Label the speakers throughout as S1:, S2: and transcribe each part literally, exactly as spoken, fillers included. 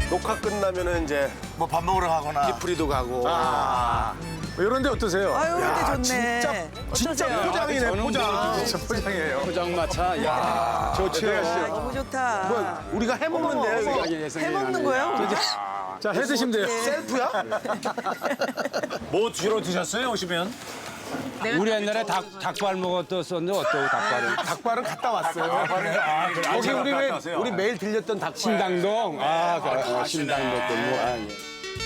S1: 녹화 끝나면은 이제
S2: 뭐 밥 먹으러 가거나.
S1: 디프리도 가고.
S2: 아.
S3: 이런 데 어떠세요?
S4: 아유, 근데 좋네.
S1: 진짜 진짜
S4: 어떠세요?
S1: 포장이네 포장.
S3: 진짜 포장이에요.
S5: 포장마차. 야.
S3: 좋죠.
S4: 아, 너무 좋다.
S1: 뭐 우리가 해 먹는데
S4: 어머,
S1: 이게
S4: 해먹는 거예요?
S3: 자, 해 드시면 돼요.
S1: 셀프야?
S2: 뭐 주로 드셨어요 오시면?
S5: 우리 옛날에 닭, 닭발 먹었었는데 어떠고 닭발은?
S1: 닭발은 갔다 왔어요. 거기 우리 왜 우리 매일 들렸던 닭발.
S5: 신당동? 아, 그, 어, 신당동 골목. 아, 예.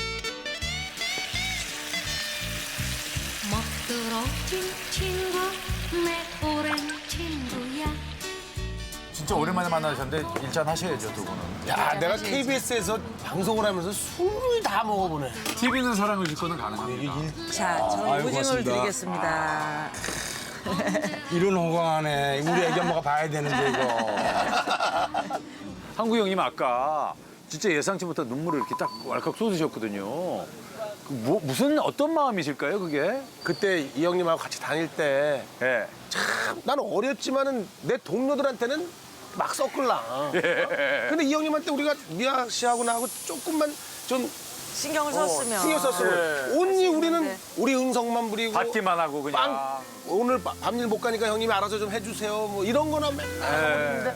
S6: 먹들어진 친구 내 오랜 친구야.
S2: 진짜 오랜만에 만나셨는데 일잔 하셔야죠 두 분은.
S1: 야, 내가 케이비에스에서 방송을 하면서 술을 다 먹어보네.
S2: 티비는 사랑을 줄 거는 가능합니다.
S4: 자, 저는
S5: 아유,
S4: 오징어를
S5: 고맙습니다.
S4: 드리겠습니다.
S5: 이런 호강하네. 우리 애기 엄마가 봐야 되는데, 이거.
S2: 한국 형님 아까 진짜 예상치 못한 눈물을 이렇게 딱 왈칵 쏟으셨거든요. 그 뭐, 무슨 어떤 마음이실까요 그게?
S1: 그때 이 형님하고 같이 다닐 때
S2: 예.
S1: 나는 어렸지만은 내 동료들한테는 막 섞을라. 근데 이 형님한테 우리가 미아 씨하고 나하고 조금만 좀
S4: 신경을
S1: 어,
S4: 썼으면.
S1: 신경 썼으면 온리 우리는 우리 응성만 부리고
S2: 받기만 하고 그냥.
S1: 빵 오늘 바- 밤일 못 가니까 형님이 알아서 좀 해주세요. 뭐 이런 거나 맨날 하고
S2: 예.
S1: 있는데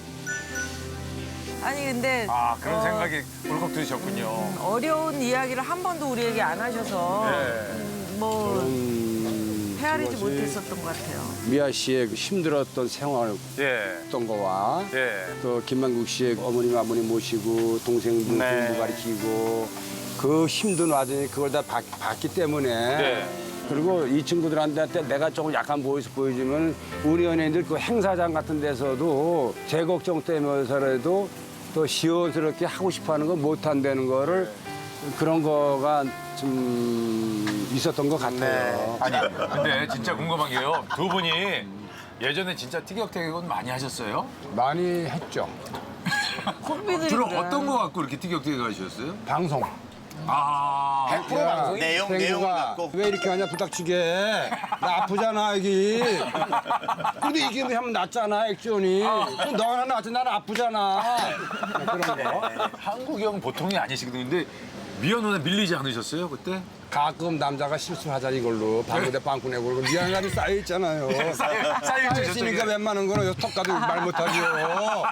S4: 아니, 근데
S2: 아 그런
S4: 어,
S2: 생각이 울컥 드셨군요.
S4: 어려운 이야기를 한 번도 우리에게 안 하셔서
S2: 예.
S4: 음, 뭐
S5: 음,
S4: 헤아리지
S5: 그것이
S4: 못했었던 것 같아요.
S5: 미아 씨의 그 힘들었던 생활
S2: 예.
S5: 했던 거와
S2: 예.
S5: 또 김만국 씨의 어머님 아버님 모시고 동생들
S2: 네.
S5: 공부 가르치고 그 힘든 와중에 그걸 다 봤, 봤기 때문에
S2: 네.
S5: 그리고 이 친구들한테 내가 조금 약간 보여서 보여주면 우리 연예인들 그 행사장 같은 데서도 제 걱정 때문에서라도 또 시원스럽게 하고 싶어하는 거 못한다는 거를 그런 거가 좀 있었던 것 같아요.
S2: 아니 근데 진짜 궁금한 게요. 두 분이 예전에 진짜 티격태격은 많이 하셨어요?
S5: 많이 했죠.
S4: 콤비들이
S2: 주로
S4: 그래.
S2: 어떤 거 갖고 이렇게 티격태격 하셨어요?
S5: 방송.
S2: 아.
S1: 백 퍼센트 방송이
S2: 내용
S5: 생구가 왜 이렇게 하냐 부탁치게 나 아프잖아 여기 근데 이게 하면 낫잖아 액션이 그럼 너는 낫지 나는 아프잖아 그런 거
S2: 한국 형 보통이 아니시거든요. 근데 미연 누나 밀리지 않으셨어요 그때?
S5: 가끔 남자가 실수하자 이걸로 방구대 빵꾸 내고 그러고 미안함이 쌓여있잖아요 쌓여있으니까 웬만한 거는 턱 가도 말 못하죠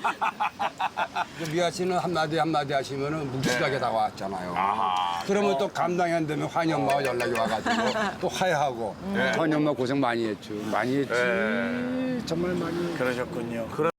S5: 미아 씨는 한마디 한마디 하시면 묵직하게 다가왔잖아요 그러면 또 감당이 안 되면 환희 엄마가 연락이 와가지고 또 화해하고 환희 엄마 고생 많이 했죠 많이 했지 정말 많이 했지.
S2: 그러셨군요.